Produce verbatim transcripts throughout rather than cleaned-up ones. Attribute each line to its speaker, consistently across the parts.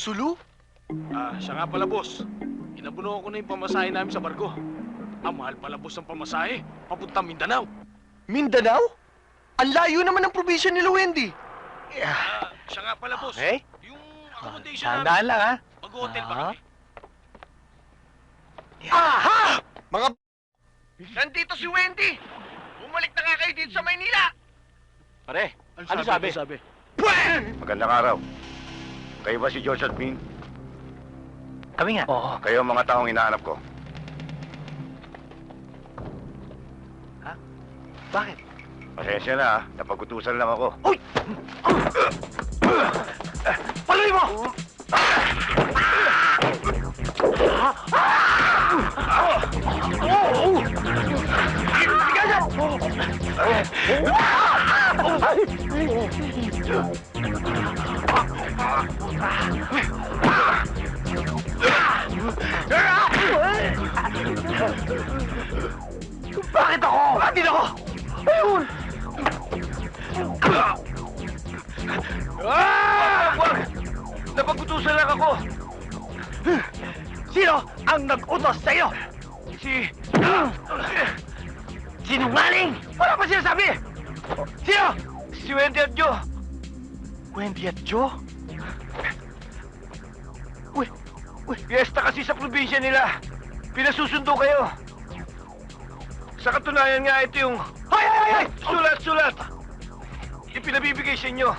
Speaker 1: Sulu?
Speaker 2: Ah, siya nga pala, boss. Inabuno ko na yung pamasahe namin sa barko. Ang mahal pala, boss, ng pamasahe. Papunta Mindanao.
Speaker 1: Mindanao? Ang layo naman ng probinsya nila, Wendy.
Speaker 2: Ah, siya nga pala, boss.
Speaker 3: Okay.
Speaker 2: Yung accommodation
Speaker 3: Tandaan
Speaker 2: namin.
Speaker 3: lang, ha?
Speaker 2: Mag-hotel ba
Speaker 3: Ah.
Speaker 2: kami?
Speaker 1: Aha! Mga b****! Nandito si Wendy! Bumalik na nga kayo dito sa Maynila!
Speaker 3: Pare, ano sabi?
Speaker 2: Ano sabi?
Speaker 4: Magandang araw. Kayo ba si George at Bean?
Speaker 3: Kami nga. Oo.
Speaker 4: Kayo ang mga taong hinahanap ko.
Speaker 3: Bakit?
Speaker 4: Pasensya na, ha. Napagutusan lang ako.
Speaker 3: Uy! Paloy mo! Bakit ako? Bakit ako? Ayun! Ah! Wag! Napagutusan lang ako! Sino ang nag-utos sa'yo? Si... Sinungaling! Wala pa sinasabi! Sino? Si Wendy at Joe! Wendy at Joe? Uy! Uy! Fiesta kasi sa probinsya nila! Pinasusundo kayo! Sa katunayan nga ito yung... Hay! Hay! Hay! Sulat! Sulat! Ipinabibigay sa inyo!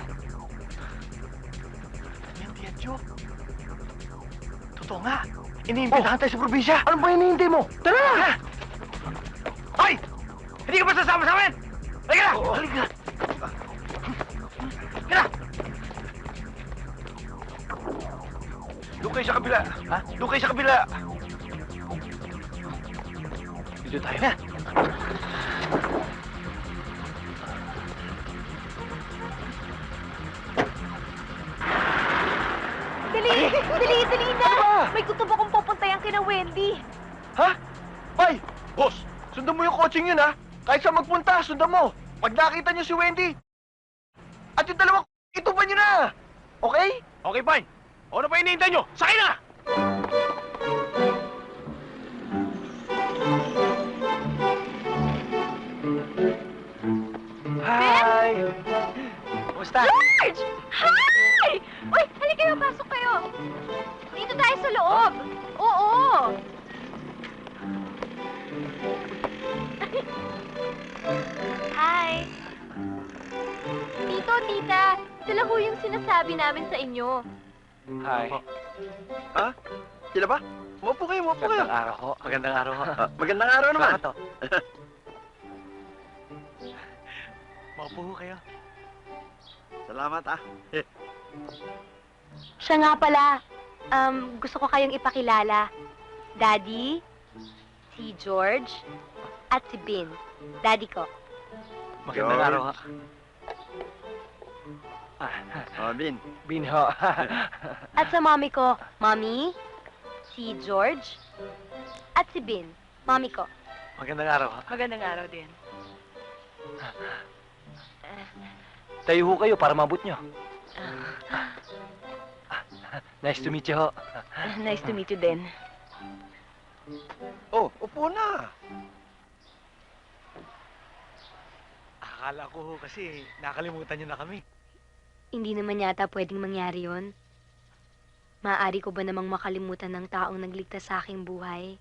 Speaker 3: Wendy at Joe? Totoo nga! Iniimbitahan tayo sa probinsya! Ano ba hinihintay mo? Tara na! Hoy! Hindi ka ba sasama sa amin? Halika na! Halika na! Halika na! Doon kayo sa kabila! Ha? Doon kayo sa kabila! Dito tayo na!
Speaker 5: Dali! Dali! Dali na! May gusto akong pupuntayan kina Wendy.
Speaker 1: Ha? Ay! Boss! Sundan mo yung coaching yun, ha? Kahit saan magpunta, sundan mo. Pag nakita niyo si Wendy, at yung dalawa, ituban niyo na! Okay?
Speaker 2: Okay, fine. O, ano pa hinihintay nyo? Sakay na!
Speaker 3: Hi! Kumusta?
Speaker 5: George! Hi! Uy, halika kayo, pasok kayo. Dito tayo sa loob. Oo. Hi. Tito, tita, ito lang ho yung sinasabi namin sa inyo.
Speaker 3: Hi.
Speaker 1: Ha? Sila ba? Umupo kayo, umupo kayo.
Speaker 3: Magandang araw ho. Magandang araw ho.
Speaker 1: Ah, magandang araw naman.
Speaker 3: Bakit to? Maupo ho kayo.
Speaker 1: Salamat, ah.
Speaker 5: Siya nga pala, um, gusto ko kayong ipakilala. Daddy, si George, at si Bin. Daddy ko.
Speaker 3: Magandang
Speaker 4: George.
Speaker 3: araw ho.
Speaker 1: Oh, Bin.
Speaker 3: Bin ho.
Speaker 5: At sa mommy ko, Mommy, si George, at si Bin. Mommy ko.
Speaker 3: Magandang araw ho.
Speaker 5: Magandang araw din.
Speaker 3: Tayo ho kayo para mabut nyo. Nice to meet you ho.
Speaker 5: Nice to meet you din.
Speaker 1: Oh, upo na.
Speaker 3: Akala ko ho kasi nakalimutan nyo na kami.
Speaker 5: Hindi naman yata pwedeng mangyari yon. Maaari ko ba namang makalimutan ng taong nagligtas sa aking buhay?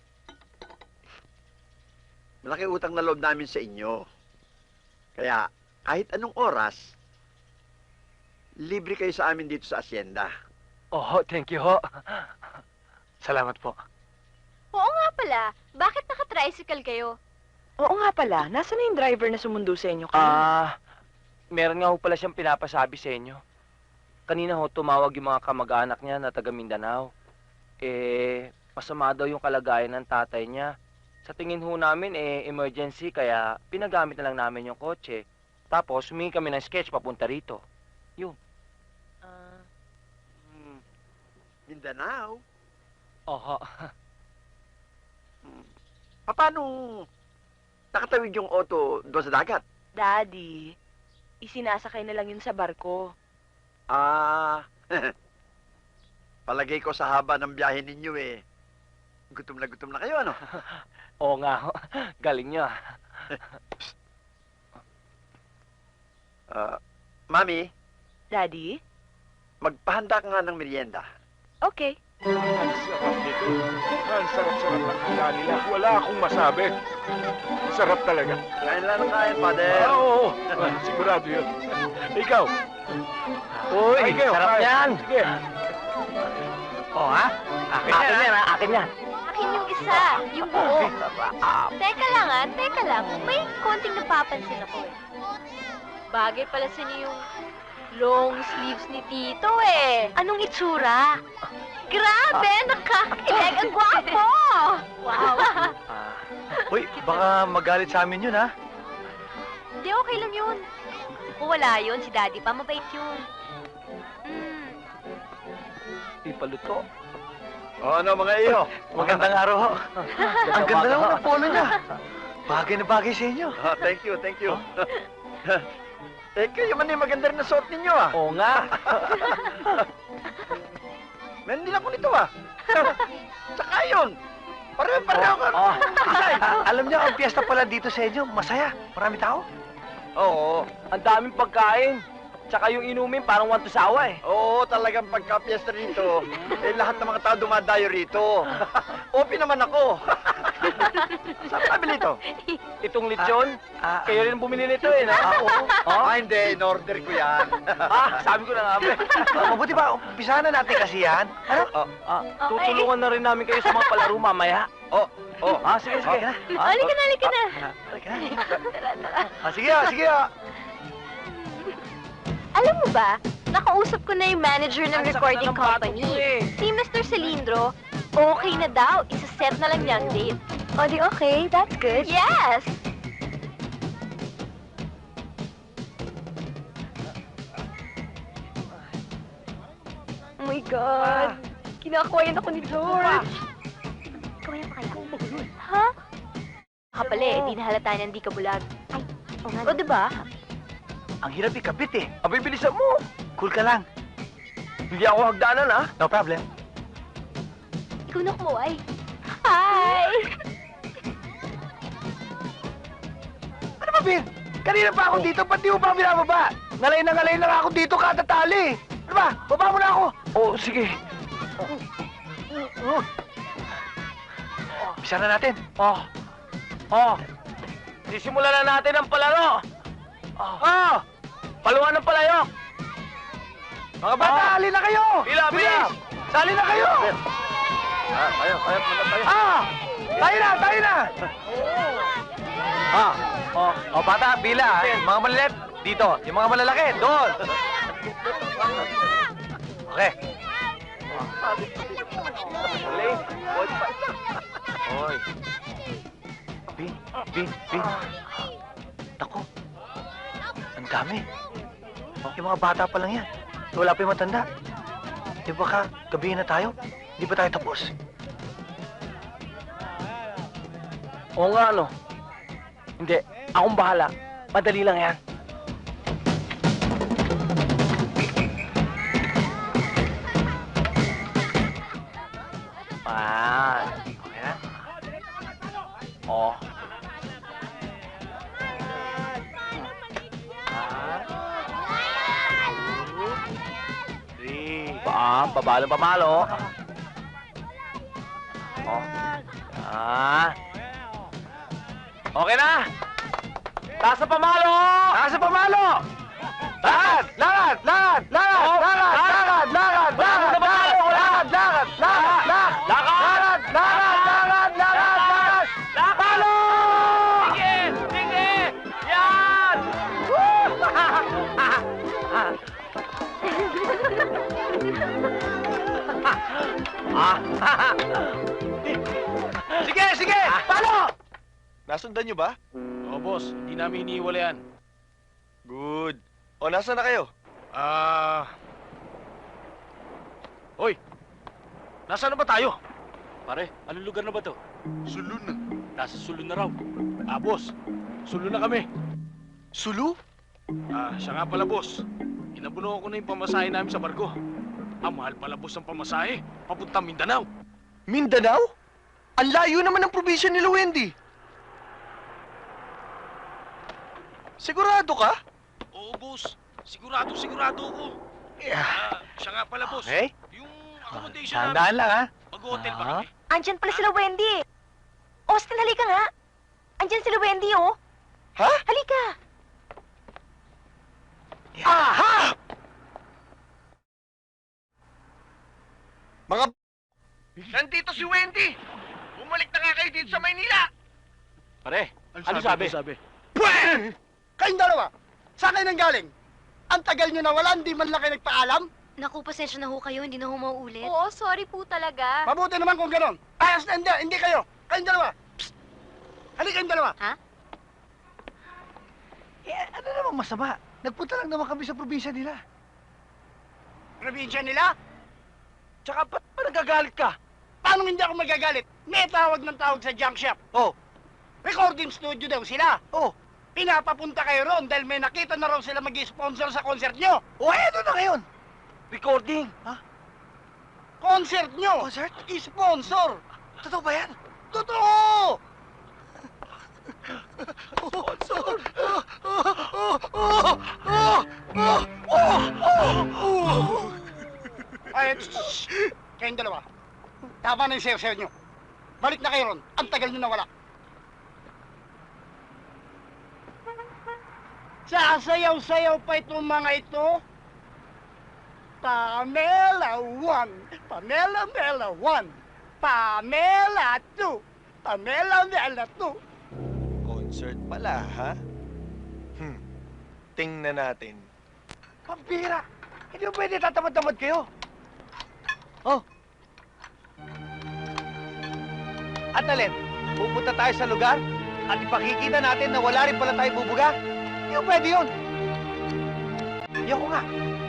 Speaker 6: Malaki utang na loob namin sa inyo. Kaya, kahit anong oras, libre kayo sa amin dito sa asyenda.
Speaker 3: Oh, thank you ho. Salamat po.
Speaker 5: Oo nga pala. Bakit naka-tricycle kayo?
Speaker 7: Oo nga pala, nasa na yung driver na sumundo sa inyo
Speaker 3: Ah,
Speaker 7: kanina?
Speaker 3: meron nga ho pala siyang pinapasabi sa inyo. Kanina ho, tumawag yung mga kamag-anak niya na taga Mindanao. Eh, masama daw yung kalagayan ng tatay niya. Sa tingin ho namin, eh, emergency, kaya pinagamit na lang namin yung kotse. Tapos, humingi kami ng sketch papunta rito.
Speaker 7: Ah,
Speaker 6: Hmm. Mindanao?
Speaker 3: Oho.
Speaker 6: Hmm. Paano nakatawid yung auto doon sa dagat?
Speaker 7: Daddy, isinasakay na lang yun sa barko.
Speaker 6: Ah, Palagay ko sa haba ng biyahe ninyo eh. Gutom na gutom na kayo, ano?
Speaker 3: Oo nga ho. Galing nyo ah.
Speaker 6: Ah, Mami,
Speaker 7: Daddy?
Speaker 6: magpahanda ka nga ng merienda.
Speaker 7: Okay.
Speaker 4: Ang sarap nito. Ang sarap-sarap ng handa nila. Wala akong masabi. Sarap talaga.
Speaker 6: Kain lang ng kain, Father.
Speaker 4: Ah, oo, oo. Sigurado yun. Ikaw.
Speaker 3: Uy,
Speaker 4: Ay, kayo,
Speaker 3: sarap
Speaker 4: kain.
Speaker 3: yan.
Speaker 4: Sige.
Speaker 3: Oo ha? Akin, akin yan ha? Akin yan.
Speaker 5: Akin yung isa, yung buo. Teka lang ah, teka lang. May konting napapansin ako eh. Bagay pala sa inyo yung long sleeves ni Tito eh. Anong itsura? Grabe, nakakakilig. Ang gwapo! Wow.
Speaker 3: Ah,
Speaker 1: Uy, baka magalit sa amin yun, ha?
Speaker 5: Hindi, okay lang yun. Kung wala yun, si Daddy pa, mabait yun. Mm.
Speaker 3: ipaluto.
Speaker 6: O ano, mga iyo?
Speaker 1: Magandang araw ho. Ang ganda naman ng polo niya. Bagay na bagay sa inyo.
Speaker 6: Ah, thank you, thank you. eh, kayo man yung maganda rin na suot ninyo, ah.
Speaker 3: Oo nga.
Speaker 6: Meron din ako nito, ah. Tsaka yun. Pareho-pareho ka.
Speaker 3: Oh,
Speaker 1: Ay, alam niyo, ang piyesta pala dito sa inyo, masaya. Marami tao.
Speaker 6: Oo.
Speaker 3: ang daming pagkain. Tsaka yung inumin parang one to sawa eh.
Speaker 6: Oo, talagang pagka-fiesta rito, eh, lahat ng mga tao dumadayo rito. Open naman ako. Saan ka bili ito?
Speaker 3: Itong lechon,
Speaker 1: Ah,
Speaker 3: kayo rin bumili nito eh, no?
Speaker 1: ah, oo.
Speaker 3: Oh?
Speaker 6: Ah, hindi. In-order ko yan.
Speaker 3: Ah, sabi ko na nga ba eh.
Speaker 1: Ah, mabuti ba, umpisahan na natin kasi yan. Ano?
Speaker 6: Oh,
Speaker 3: Ah, tutulungan na rin namin kayo sa mga palaro mamaya.
Speaker 6: oh, oh.
Speaker 3: Ah, sige, sige.
Speaker 1: Ah,
Speaker 3: Ah,
Speaker 5: Halika na, halika na.
Speaker 1: Halika na. Ah, sige ah, sige ah.
Speaker 5: Alam mo ba, nakausap ko na yung manager ng
Speaker 3: Ang sakit
Speaker 5: recording
Speaker 3: na ng batok
Speaker 5: company.
Speaker 3: ko eh.
Speaker 5: Si Mister Cilindro, okay na daw. Isa-set na lang niya ang date. O di okay, that's good. Yes! Oh my God! Kinakawayan ako ni George. Kawayan pa kaya? Ha? Baka pala eh, di nahalata niya hindi ka bulag. Ay, o nga. O diba?
Speaker 1: Ang hirap ikabit eh.
Speaker 3: Abay, bilisan mo.
Speaker 1: Cool ka lang.
Speaker 3: Hindi ako hagdanan, ha?
Speaker 1: No problem.
Speaker 5: Ikaw na kumuhay. Hi!
Speaker 1: Ano ba, Bin? Kanina pa ako dito, ba't di mo pa ako binababa? Ngalay na ngalay na nga ako dito kada tali. Ano ba? Baba mo na ako.
Speaker 3: Oo, sige.
Speaker 1: Bisa na natin.
Speaker 3: Oh. Oh. Sisimulan na natin ang palaro. Oh.
Speaker 1: Ah!
Speaker 3: Paluan ng palayok.
Speaker 1: Mga bata,
Speaker 3: Ah!
Speaker 1: halina kayo!
Speaker 3: Bila, bilis!
Speaker 1: Sali na kayo!
Speaker 6: Ah, kayo, kayo, muna tayo.
Speaker 1: Ah! Tayo na, tayo na! Ah!
Speaker 3: Oh.
Speaker 1: O bata, bila. eh. Mga malilit, dito. Yung mga malalaki, doon. Okay.
Speaker 3: Uli.
Speaker 1: Hoy. Bin, Bin, Bin. Naku. Ang dami. Yung mga bata pa lang yan. Wala pa yung matanda. Di ba ka, gabihin na tayo? Di ba tayo tapos?
Speaker 3: Oo nga, ano? Hindi. Akong bahala. Madali lang yan. Ah.
Speaker 1: Okay na?
Speaker 3: Oh.
Speaker 1: Three.
Speaker 3: Pa, pabalo, pamalo. Oh. Ah. Okay na. Taas sa pamalo.
Speaker 1: Taas sa pamalo! Lakad! Lakad! Lakad! Lakad!
Speaker 3: Oh,
Speaker 1: Lakad!
Speaker 3: lakad!
Speaker 1: Lakad! Lakad!
Speaker 3: Wala
Speaker 1: Lakad!
Speaker 3: sa pamalo, wala.
Speaker 1: Lakad! Lakad! Lakad! Lakad!
Speaker 3: Lakad!
Speaker 1: Lakad! Lakad! Lakad! Lakad!
Speaker 3: Lakad!
Speaker 1: Palo!
Speaker 3: Sige! Sige! Yan! Ah!
Speaker 1: Sige! Sige! Palo!
Speaker 8: Nasundan nyo ba?
Speaker 2: Oo, boss. Hindi namin iniiwala yan.
Speaker 8: Good. O, nasa na kayo?
Speaker 2: Ah... Hoy! Nasaan na ba tayo?
Speaker 9: Pare, anong lugar na ba to?
Speaker 8: Sulu na.
Speaker 9: Nasa Sulun na raw.
Speaker 2: Ah, boss. Sulo na kami.
Speaker 8: Sulu?
Speaker 2: Ah, siya nga pala, boss. Inabuno ko na yung pamasahe namin sa barko. Ang mahal palabos ng pamasahe, papuntang Mindanao.
Speaker 8: Mindanao? Ang layo naman ng probinsya nila, Wendy. Sigurado ka?
Speaker 2: Oo, boss. Sigurado, sigurado ako.
Speaker 1: Yeah.
Speaker 2: Ah, siya nga pala, boss.
Speaker 1: Okay.
Speaker 2: Yung accommodation namin.
Speaker 1: Tandaan lang, ha?
Speaker 2: Mag-hotel ba
Speaker 1: Ah.
Speaker 2: kami?
Speaker 7: Andyan pala sila Wendy. Austin, halika nga. Andyan sila Wendy, oh.
Speaker 8: Ha?
Speaker 7: Halika.
Speaker 8: Aha! Mga... Nandito si Wendy! Bumalik na nga kayo dito sa Maynila!
Speaker 9: Pare, ano sabi?
Speaker 2: sabi?
Speaker 6: Pwede! Kayong dalawa, saan kayo nang galing? Ang tagal nyo na wala, hindi man lang kayo nagpaalam?
Speaker 5: Naku, pasensya na ho kayo, hindi na ho mauulit. Oo, sorry po talaga.
Speaker 6: Mabuti naman kung gano'n. Ayos na, hindi, hindi kayo. Kayong dalawa. Psst! Halika kayong dalawa.
Speaker 1: Eh, ano namang masama? Nagpunta lang naman kami sa probinsya nila.
Speaker 6: Probinsya nila?
Speaker 3: Tsaka ba't pa nagagalit ka?
Speaker 6: Paano hindi ako magagalit? May tawag ng tawag sa junk shop.
Speaker 1: Oh,
Speaker 6: Recording studio daw sila.
Speaker 1: oh.
Speaker 6: Pinapapunta kayo ron dahil may nakita na raw sila mag-sponsor sa concert nyo.
Speaker 1: Oh, eh, ano na ngayon?
Speaker 3: Recording.
Speaker 6: Concert nyo!
Speaker 1: Concert?
Speaker 6: Sponsor!
Speaker 1: Totoo ba yan?
Speaker 6: Totoo!
Speaker 1: Sponsor!
Speaker 6: Ay, shh! Kayong dalawa. Tama na yung sayo-sayo nyo. Balik na kayo ron. Ang tagal nyo nawala. Sasayaw-sayaw pa itong mga ito. Pamela one, Pamela Mela one, Pamela two, Pamela Mela two.
Speaker 8: Concert pala, ha? Hmm. Tingnan natin.
Speaker 1: Pampira! Hindi mo pwede tatamad-tamad kayo. Oh. At alin, pupunta tayo sa lugar at ipakikita natin na wala rin pala tayo bubuga? Hindi mo pwede yun. Ayoko nga.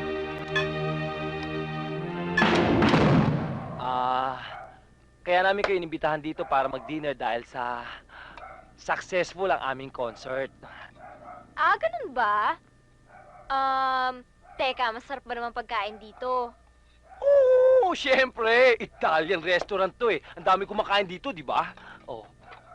Speaker 3: Ah, kaya namin kayo inimbitahan dito para mag-dinner dahil sa successful ang aming concert.
Speaker 5: Ah, ganun ba? Um, teka, masarap ba naman pagkain dito?
Speaker 3: Oo, syempre. Italian restaurant to eh. Ang dami kumakain dito, di ba? Oh.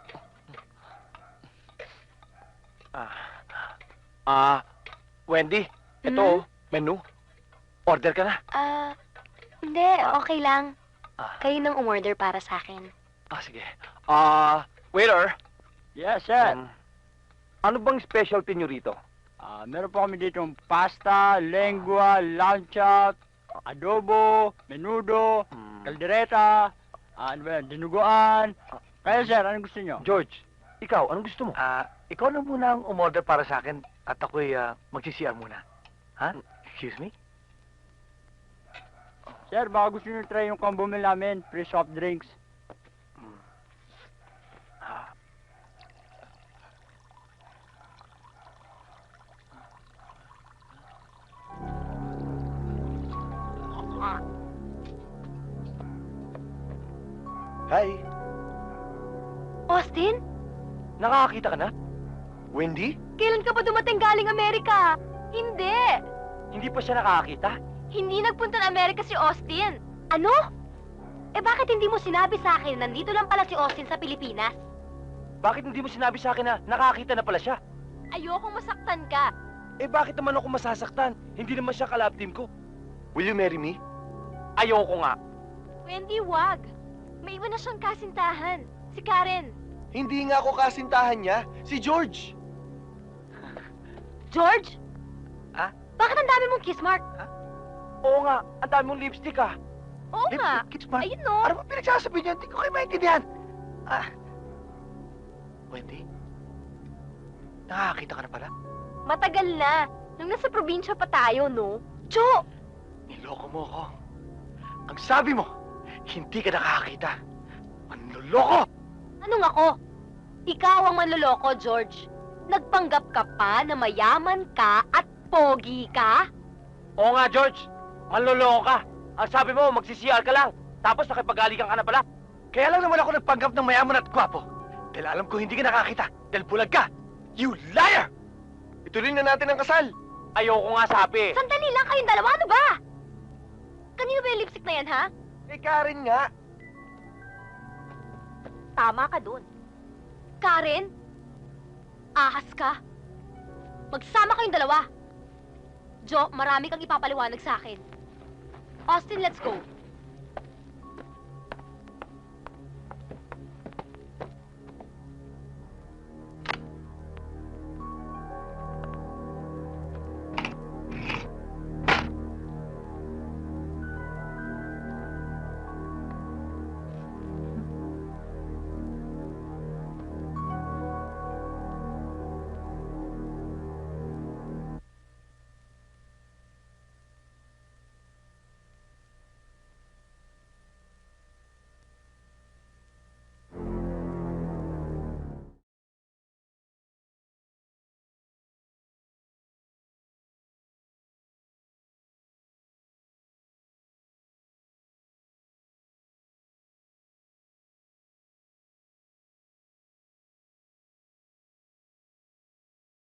Speaker 3: Ah. Ah, Wendy, ito
Speaker 5: Hmm?
Speaker 3: oh, menu. Order ka na.
Speaker 5: Ah, hindi, okay lang.
Speaker 3: Ah.
Speaker 5: Kayo nang umorder para sa akin.
Speaker 3: Ah, sige. Ah, waiter.
Speaker 10: Yes, sir.
Speaker 3: Um, ano bang specialty nyo rito?
Speaker 10: Ah, meron po kami dito pasta, lengua, lancha, adobo, menudo,
Speaker 3: Hmm.
Speaker 10: kaldereta, ah, ano ba yan, dinuguan. Kaya, sir, anong gusto nyo?
Speaker 3: George, ikaw, anong gusto mo?
Speaker 1: Ah, ikaw na muna ang umorder para sa akin at ako'y uh, mag-C R muna. Ha? Excuse me?
Speaker 10: Sir, baka gusto nyo try yung combo meal namin, free soft drinks.
Speaker 1: Ah.
Speaker 8: Hi,
Speaker 5: Austin,
Speaker 3: Nakakakita ka na?
Speaker 8: Wendy?
Speaker 5: kailan ka ba dumating galing Amerika? Hindi.
Speaker 3: Hindi pa siya nakakakita?
Speaker 5: Hindi nagpunta ng Amerika si Austin. Ano? Eh bakit hindi mo sinabi sa akin na nandito lang pala si Austin sa Pilipinas?
Speaker 3: Bakit hindi mo sinabi sa akin na nakakita na pala siya?
Speaker 5: Ayokong masaktan ka.
Speaker 3: Eh bakit naman ako masasaktan? Hindi naman siya kalab team ko.
Speaker 8: Will you marry me?
Speaker 3: Ayoko nga.
Speaker 5: Wendy, wag. May iba na siyang kasintahan. Si Karen.
Speaker 8: Hindi nga ako kasintahan niya, si George.
Speaker 5: George?
Speaker 1: Ah?
Speaker 5: Bakit ang dami mong kiss mark?
Speaker 3: Oo nga, ang dami mong lipstick ah.
Speaker 5: Oo
Speaker 1: Lip-
Speaker 5: nga.
Speaker 1: Kiss mark?
Speaker 5: Ayun no.
Speaker 1: Ano ba pinagsasabi niyo? Hindi ko kayo maintindihan. Ah. Wendy? Nakakakita ka na pala?
Speaker 5: Matagal na. Nung nasa probinsya pa tayo, no? Cho!
Speaker 1: Niloko mo ako. Ang sabi mo, hindi ka nakakakita. Manloloko!
Speaker 5: Anong ako? Ikaw ang manloloko, George. Nagpanggap ka pa na mayaman ka at pogi ka?
Speaker 3: Oo nga, George. Manloloko ka. Ang sabi mo, magsi-C R ka lang. Tapos nakipagalikan ka na pala.
Speaker 1: Kaya lang naman ako nagpanggap ng mayaman at gwapo. Dahil alam ko hindi ka nakakita. Dahil bulag ka. You liar!
Speaker 8: Ituloy na natin ang kasal.
Speaker 3: Ayoko nga, sabi.
Speaker 5: Sandali lang kayong dalawa, ano ba? Kanino ba yung lipstick na yan, ha?
Speaker 8: Kay Karen nga.
Speaker 5: Tama ka dun. Karen? Ahas ka? Magsama kayong dalawa. Jo, marami kang ipapaliwanag sa akin. Austin, let's go.